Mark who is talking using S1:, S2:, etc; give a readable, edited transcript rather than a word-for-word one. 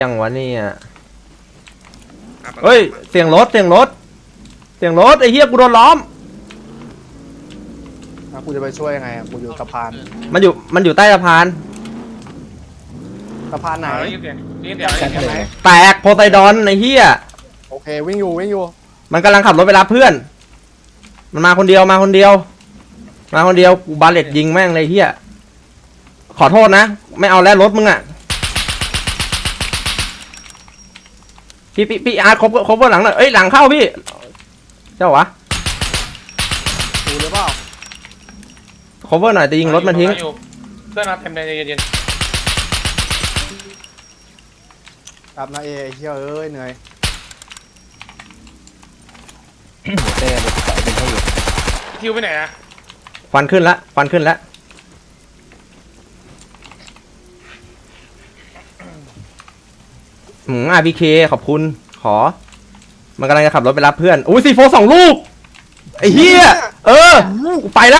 S1: ยังวะเนี่ยเฮ้ยเสียงรถไอ้เหี้ยกูโดนล้อม
S2: กูจะไปช่วยยังไงกูอยู่สะพาน
S1: มันอยู่ใต้สะพาน
S2: ไหน
S1: แตกโพไซดอนไอ้เหี้ย
S2: โอเควิ่งอยู่
S1: มันกำลังขับรถไปรับเพื่อนมันมาคนเดียวกูบาเลตยิงแม่งเลยเหี้ยขอโทษนะไม่เอาแล้วรถมึงอ่ะพี่อาร์ตครบหลังหน่อยเอ้ยหลังเข้าพี่เจ้าวะ
S2: ดูหรือเปล่า
S1: ครบหน่อยจะยิงรถมันทิ้ง
S3: เพื่อนมาเต็มเลยเย็น
S2: ครับนะเฮ้ยเหนื่อย
S3: เต้ไปใส่เป็นเท่าอยู่คิวไปไหนนะ
S1: ควันขึ้นละRPK ขอบคุณมันกำลังจะขับรถไปรับเพื่อนอุ้ยC4 2 ลูกไอ้เหี้ยไปแล้ว